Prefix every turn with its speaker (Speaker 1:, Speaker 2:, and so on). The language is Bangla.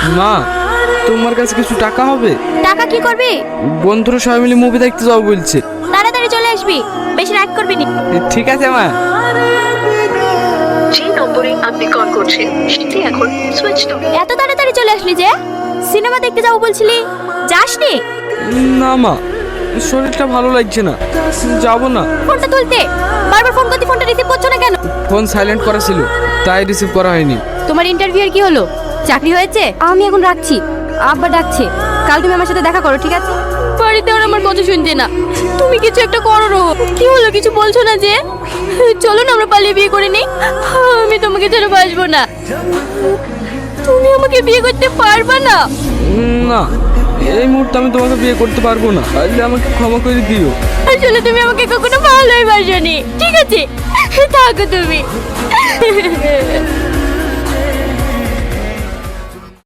Speaker 1: মা, তোমার কাছে কিছু টাকা হবে?
Speaker 2: টাকা কি করবি?
Speaker 1: বন্ধুরা সবাই মিলে মুভি দেখতে যাবো বলছে।
Speaker 2: তাড়াতাড়ি চলে আসবি, বেশি রাত করবি না।
Speaker 1: ঠিক আছে মা।
Speaker 3: যে নম্বরে আপনি কল করছেন সেটি এখন সুইচ অফ।
Speaker 2: এত তাড়াতাড়ি চলে আসলি যে? সিনেমা দেখতে যাবো বলছিলি, যাসনি?
Speaker 1: না মা, শরীরটা ভালো লাগছে না, যাবো না।
Speaker 2: ফোনটা তুলতে বারবার ফোন করতে, ফোনটা রিসিভ করছো না কেন?
Speaker 1: ফোন সাইলেন্ট করা ছিল, তাই রিসিভ করা হয়নি।
Speaker 2: তোমার ইন্টারভিউয়ের কি হলো? চাকরি হয়েছে? আমি এখন রাখছি, আব্বা ডাকছে। কাল তুমি আমার সাথে দেখা করো, ঠিক আছে? বাড়িতে ওরা আমার কথা শুনছে না। তুমি কিছু একটা করো রো। কি হলো, কিছু বলছো না যে? চলো না আমরা পালিয়ে বিয়ে করে নিই। আমি তোমাকে ছেড়ে বাঁচবো না। তুমি আমাকে বিয়ে করতে পারবা না?
Speaker 1: না, এই মুহূর্তে আমি তোমাকে বিয়ে করতে পারবো না, তাহলে আমাকে ক্ষমা করে দিও।
Speaker 2: আসলে তুমি আমাকে কখনো ভালোই বাসনি। ঠিক আছে, থাকো তুমি।